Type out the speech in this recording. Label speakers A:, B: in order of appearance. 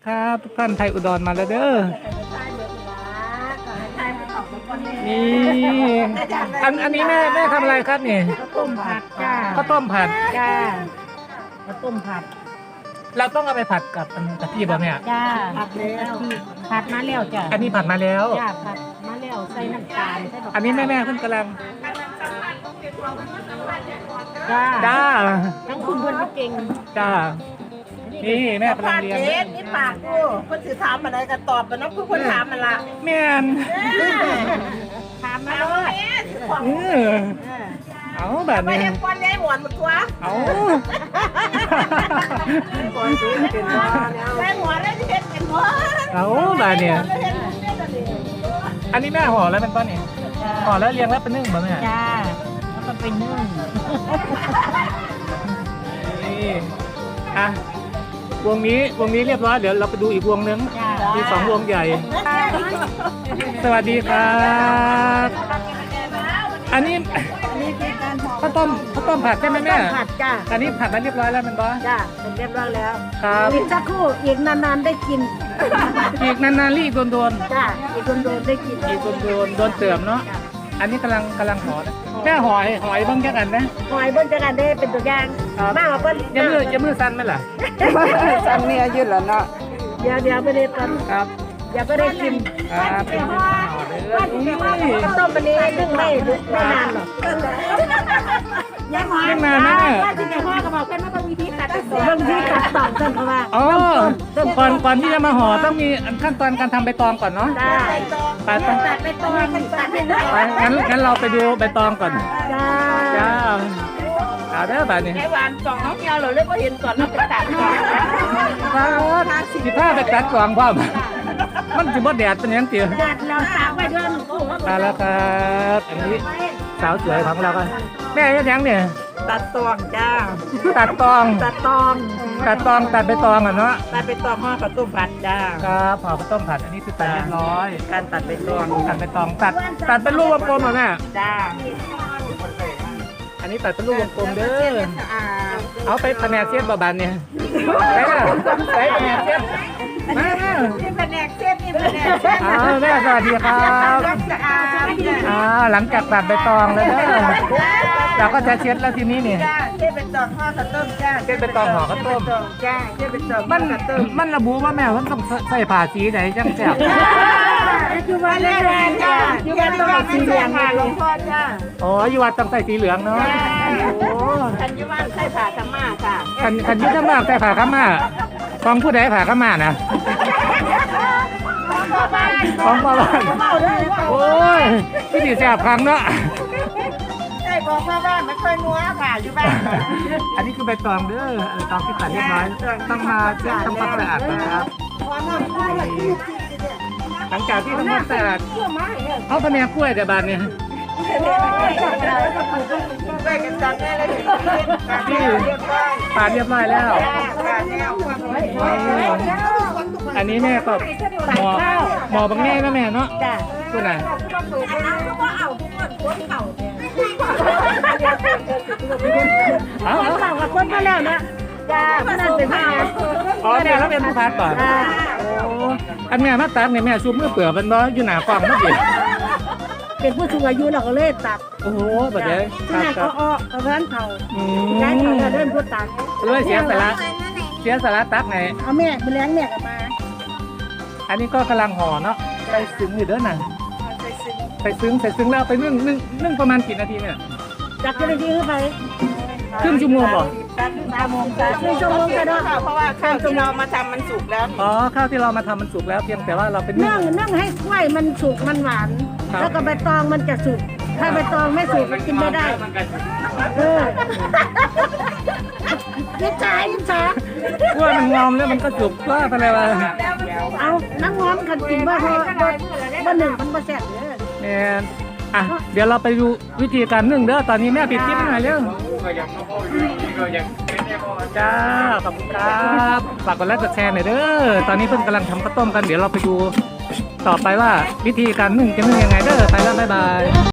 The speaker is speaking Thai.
A: ครับทุกท่านไทยอุดรมาแล้วเด้อนี่อันนี้แม่ทำอะไรครับนี่
B: ข้าวต้มผัดจ้า
A: ข้าวต้มผัด
B: จ้าข้าวต้มผัด
A: เราต้องเอาไปผัดกับกะทิบ่แม่
B: จ้าผัดแล้วผัดมาแล้วจ้า
A: อันนี้ผัดมาแล้ว
B: จ้าผัดมาแล้วใส่น้ำตาลใส่ดอก
A: อันนี้แม่เพิ่งกำลัง
B: จ้า
A: จ้า
B: ทั้งคุณเพื่อนก็เก่ง
A: จ้านี่แม่กำลังเรียน
C: เด็ดนี่ปากกูเพิ่นสิถามอะไรก็ตอบกันเนาะผู้คนถามมันละ
A: แม่น
B: ถามมาเลย
A: เออเอาแบบ
C: ไป
A: นี้
C: เฮ็ดก้อนใหญ่หมวนหมดตัว
A: เอา
C: แม่หมวนได้เฮ็ดเป็นหมวน
A: เอาแบบนี้อันนี้แม่ห่อแล้วเป็นต้นนี่ห่อแล้วเรียงแล้วเป็นนึ่งบ่แม่
B: จ้าแล้วก็ไปนึ่ง
A: นี่อ่ะวงนี้เรียบร้อยเดี๋ยวเราไปดูอีกวงนึง
B: จ้า
A: มีสองวงใหญ่ สวัสดีครับ อันนี้ข้าวต้มผัดใช่ไหมแม่
B: ผัดจ้า
A: อันนี้ผัดมาเรียบร้อยแล้วมันบอส
B: จ้าเป็นเรียบร้อยแล้ว
A: ครับ
B: อีกสักครู่อีกนานๆได้กิน
A: อีกนานๆรีบโดน
B: จ้าอีกโดนๆได้กิน
A: อีกโดนเติมเนาะอันนี้กำลังห่อนะแม่หอยบ้างแค่กันนะ
B: หอยเบิ้ลจะกันได้เป็นตัวอย่างมากกว่าเบิ้ล
A: อย่ามือสั้นไหมล่ะ
C: ซ้ำเนี่ยยืดแล้วเนาะ
B: เดี๋ยวไปได้กัน
A: ครับ
B: เดี๋ยวก็ได้กิน
A: เป็นห่อเลย
B: ข้าวต้มวันนี้นึ่งไม่นานหรอกยังหอย
A: ไม่นานนะเนี่ย
B: ว่าที่ในพ่อก็บอกเพื่อนว่าต้องมีที่ตัดบางทีตัดต่อเส้นเขาว่า
A: อ๋อก่อนที่จะมาห่อต้องมีขั้นตอนการทำใบตองก่อนเนาะ
B: ได้
A: ไป
B: ตัดไปตอนตัดไปเลย
A: งั้นเราไปดูใบตองก่อน
B: จ้า
A: จ้าเอาเด้อแบบนี้
C: ไอ้หวานสองน้องเหี่ยวเลยบ่เห็นก่อนเราไปตัดก่อน
A: สิผ้าไปตัดกล่องพ่อมมันสิบ่แดดเป็นหยังเตี๋ย
B: ตัดเราตากไว้ด้วยมันคู่ว่า
A: มาแล้วครับอันนี้สาวสวยของเราก็แม่ยังเนี่ย
C: ตัดตวงจ้า
A: ตัดตอง
B: ตัดตอง
A: ตัดใบตองอ่ะเนาะ
C: ตัดไปตองห่อข้าวต้มผัดจ้า
A: ครับห่อข้าวต้มผัดอันนี้คือตัดเรียบร้อย
C: การตัดไปตวง
A: ตัดใบตองตัดเป็นลูกวงกลมเหรอแม่
C: จ้า
A: อันนี้ตัดเป็นลูกวงกลมเด้อเอาไปแผนกเสียบบาบานเนี่ยไปล่ะไปแผนกเสียบมา
C: นี่แผนกเส้นนี่แผนกเส้น
A: แม่สวัสดีครับ
C: สะอาด
A: หลังจากตัดใบตองแล้วเด้อเราก็จะเช็ดแล้วทีนี้นี่
C: จ้าเส้นเป็นตองห่อข้าวต้มจ้าจ้าเส้นเป็นตองห่อข้าวต้ม
A: มันระบุว่าแม่ว่าต้องใส่ผ้าสีไหนจังแซ่บ
B: คือว่าเล่นแรงจ้าคือว่าต้องสีเหลือง
C: หลวงพ่อจ้า
A: อ๋ออยู่วัดต้องใส่สีเหลืองเนาะโอ้
C: ทันยุวันใส่ผ้าธรรมะค่ะ
A: คันยุทธมากใส่ผ้าขาวม้าของผู้ใดผ้าขาวม้านะของพ่อบ้านโอ้ยพี่ดีแซ่บครั้งเนาะ
C: ใช่บอกว่าบ้านไม่ค่อยนัวค่ะอยู่บ้าน
A: อันนี้คือใบตองเด้อใบตองที่ตัดเรียบร้อยต้องมาเช็ดทำความสะอาดนะครับหลังจากที่ทำความสะอาดเอาแผนกกล้วยแต่บานเนี่ย
C: ไปกันจังได้เลย
A: ที่ปาดเรียบร้อยแล้ว อันนี้แม่ก็หมอบางแง่นะแม่เนาะ
B: จ้า
A: คุณน่ะเอา
B: เข่ากับคนมาแล้วนะจ้าพนันเป็นพนัน
A: อ๋อแม่แล้วเป็นผู้พัดป่ะโอ้อันแม่มาตัดเนี่ยแม่ซูมมือเปลือกมันบ่อยู่หน้ากล้องเมื่อกี้
B: เป็นผู้สูงอายุเราก็เลยตัด
A: โอ้โหแบบนี้
B: ที่ไหนเขาอ้อเขาเพื่อนเขา
A: อื
B: ย้ายเขา
A: ม
B: เริ่มพูดตัด
A: เลยเสียสาระตักไง
B: เอาแม่ไปเลี้ยงแม่กันมา
A: อันนี้ก็กำลังห่อเนาะใส่ซึ้งอยู่เด้อน่ะใส่ซึ้งแล้วไปนึ่งประมาณกี่นาทีเนี่ย
B: จากจะได้ยื้อไป
A: ครึ่งชั่วโมงบ่
C: 3 โมงจ้า
B: ครึ่งชั่วโมงก็ได้
C: เพราะว่าข้าวที่เรามาทำมันสุกแล้ว
A: อ๋อข้าวที่เรามาทำมันสุกแล้วเพียงแต่ว่าเราเป็นนึ่ง
B: นึ่งให้กล้วยมันสุกมันหวาน
A: ครับ
B: แล้วก็ใบตองมันจะสุก ถ้าใบตองไม่สุกมันกินไม่ได้เออยิ่งจ่ายยิ่งช้าก
A: ล้วยมันงอมแล้วมันก็สุกว่าไปเลยว่า
B: เอาน้ำง้อมกันกินบ่พอบ่หนึ่งมันบ่แซ่บเลย
A: เนี่ยอ่ะเดี๋ยวเราไปดูวิธีการนึ่งเด้อตอนนี้แม่ปิดคลิปหน่อยเร็วจ้าขอบคุณครับฝากกดไลค์กดแชร์หน่อยเด้อตอนนี้เพิ่งกำลังทำข้าวต้มกันเดี๋ยวเราไปดูต่อไปว่าวิธีการนึ่งจะนึ่งยังไงเด้อไปแล้วบ๊ายบาย